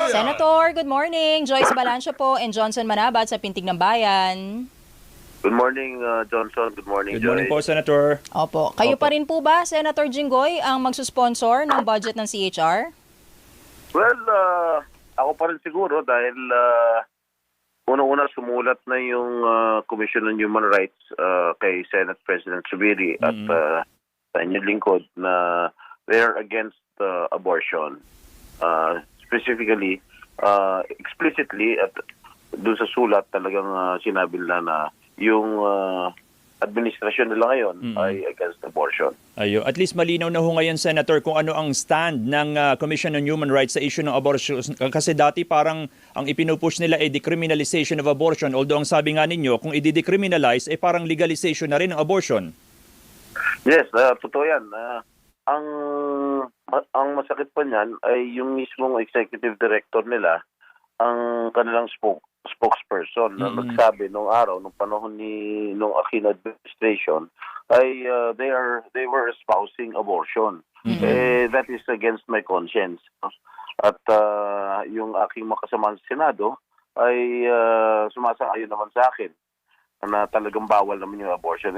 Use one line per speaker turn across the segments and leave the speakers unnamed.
Senator, good morning. Joyce Balancio po and Johnson Manabat sa Pintig ng Bayan.
Good morning, Johnson. Good morning,
Good morning po,
Joy.
Senator.
Opo. Kayo pa rin po ba, Senator Jinggoy, ang magsusponsor ng budget ng CHR?
Well, ako pa rin siguro dahil unang-una sumulat na yung Commission on Human Rights kay Senate President Zubiri at sa inyong lingkod na they're against abortion. Specifically, explicitly at doon sa sulat talagang sinabi nila na yung administrasyon nila ngayon ay against abortion.
Ayo, at least malinaw na ho ngayon, Senator, kung ano ang stand ng Commission on Human Rights sa issue ng abortion. Kasi dati parang ang ipinupush nila ay decriminalization of abortion. Although ang sabi nga ninyo, kung i-decriminalize, ay parang legalization na rin ng abortion.
Yes, totoo yan. Ang masakit pa niyan ay yung mismong executive director nila, ang kanilang spokesperson na nagsabi nung araw, nung panahon nung Aquino administration, ay they were espousing abortion. That is against my conscience. At yung aking makasama sa Senado ay sumasang-ayon naman sa akin na talagang bawal naman yung abortion.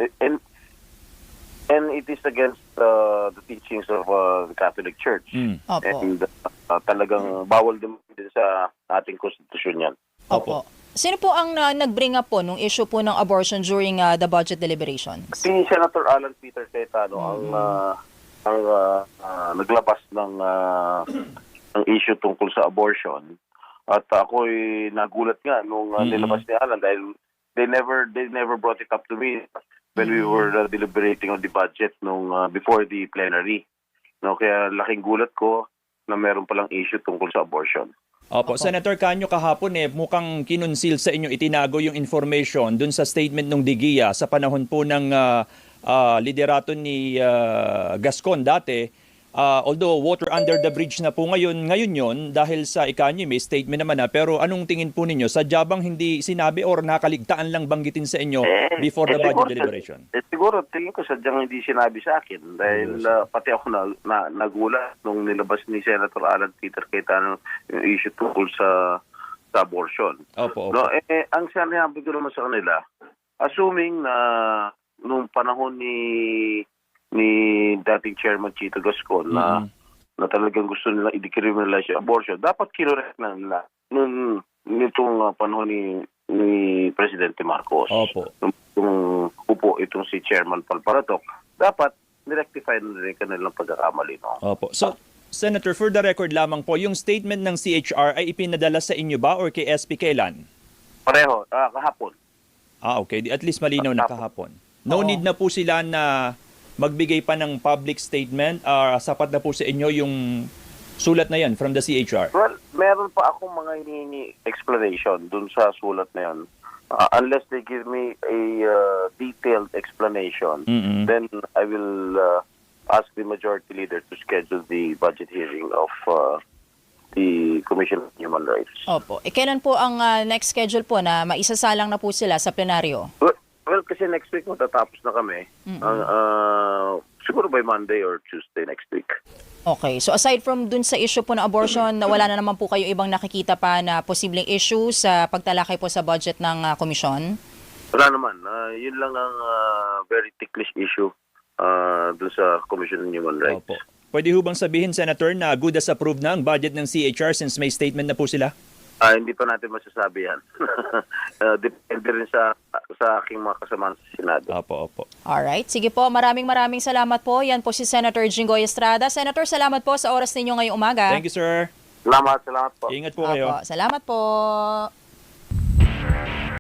And it is against the teachings of the Catholic Church. And talagang bawal din sa ating konstitusyon yan.
Opo. Sino po ang nag-bring up po nung issue po ng abortion during the budget deliberations?
Si Senator Alan Peter Cayetano ang naglabas ng issue tungkol sa abortion. At ako'y nagulat nga nung nilabas ni Alan dahil they never brought it up to me when we were deliberating on the budget nung before the plenary. No, kaya laking gulat ko na meron palang issue tungkol sa abortion.
Opo, Senator Canyo, kahapon mukhang kinunsil sa inyo, itinago yung information dun sa statement ng Digia sa panahon po ng liderato ni Gascon dati. Although water under the bridge na po ngayon yon dahil sa ikanyo may statement naman na, pero anong tingin po ninyo? Sadya bang hindi sinabi or nakaligtaan lang banggitin sa inyo before the budget deliberation?
Siguro tingin ko sadyang hindi sinabi sa akin dahil pati ako nagulat nung nilabas ni Senator Alan Peter Cayetano yung issue tungkol sa abortion.
Opo.
No, ang sinabi ko naman sa kanila, assuming na nung panahon ni dating Chairman Chito Gascon na talagang gusto nila i-decriminalize yung abortion, dapat kinorek na nila nitong panahon ni Presidente Marcos.
Opo.
Nung upo itong si Chairman Palparatok, dapat nirectify na rin kanilang pagkakamali. No?
Opo. So, Senator, for the record lamang po, yung statement ng CHR ay ipinadala sa inyo ba or kay SP kailan?
Pareho, kahapon.
Okay. At least malinaw na kahapon. No need na po sila na magbigay pa ng public statement, sapat na po sa inyo yung sulat na yan from the CHR?
Well, meron pa akong mga hinihingi explanation dun sa sulat na yan. Unless they give me a detailed explanation, then I will ask the majority leader to schedule the budget hearing of the Commission on Human Rights.
Opo. Kailan po ang next schedule po na maisasalang na po sila sa plenaryo?
Well, kasi next week matatapos na kami. Siguro by Monday or Tuesday next week.
Okay. So aside from dun sa issue po ng abortion, wala na naman po kayo ibang nakikita pa na posibleng issue sa pagtalakay po sa budget ng komisyon?
Wala naman. Yun lang ang very ticklish issue dun sa Commission on Human Rights.
Opo. Pwede ho bang sabihin, Senator, na good as approved na ang budget ng CHR since may statement na po sila?
Hindi pa natin masasabi yan. Depende rin sa aking mga kasama sa Senado.
Opo.
Alright. Sige po. Maraming salamat po. Yan po si Senator Jinggoy Estrada. Senator, salamat po sa oras ninyo ngayong umaga.
Thank you, sir.
Salamat po.
Ingat po kayo.
Opo. Salamat po.